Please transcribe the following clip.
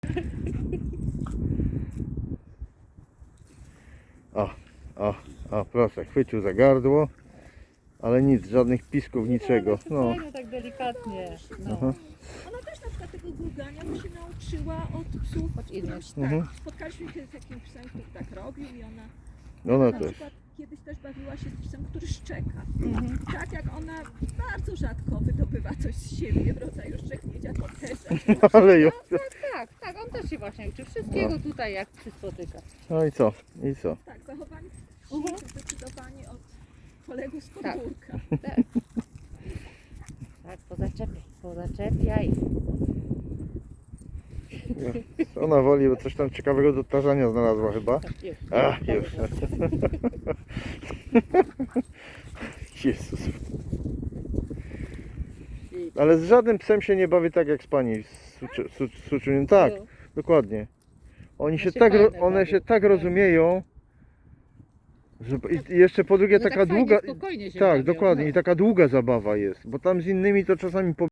O, proszę, chwycił za gardło, ale nic, żadnych pisków, niczego. No. Fajnie, tak delikatnie. No. Aha. Ona też na przykład tego gurgania to się nauczyła od psów. Od innych. Tak, Mhm. spotkaliśmy się z takim psem, który tak robił i ona Ona na też. przykład kiedyś też bawiła się z psem, który szczeka. Mhm. Tak jak ona bardzo rzadko wydobywa coś z siebie w rodzaju szczeknięcia, to też. Ale już. Tak, on też się właśnie uczy wszystkiego tutaj, jak się spotyka. No i co? I co? Tak, zachowanie Mhm. zdecydowanie od kolegów z Tak. podwórka. Tak, pozaczepiaj. Ona woli, bo coś tam ciekawego do tarzania znalazła chyba. Tak, już. Ach, już. Jezus. Ale z żadnym psem się nie bawi tak jak z pani z suczuniem. Tak, No. dokładnie. Oni się się tak, fajne one bawią. się tak rozumieją, że i jeszcze po drugie No taka tak fajnie, długa. spokojnie się Tak, bawią, dokładnie. no. I taka długa zabawa jest, bo tam z innymi to czasami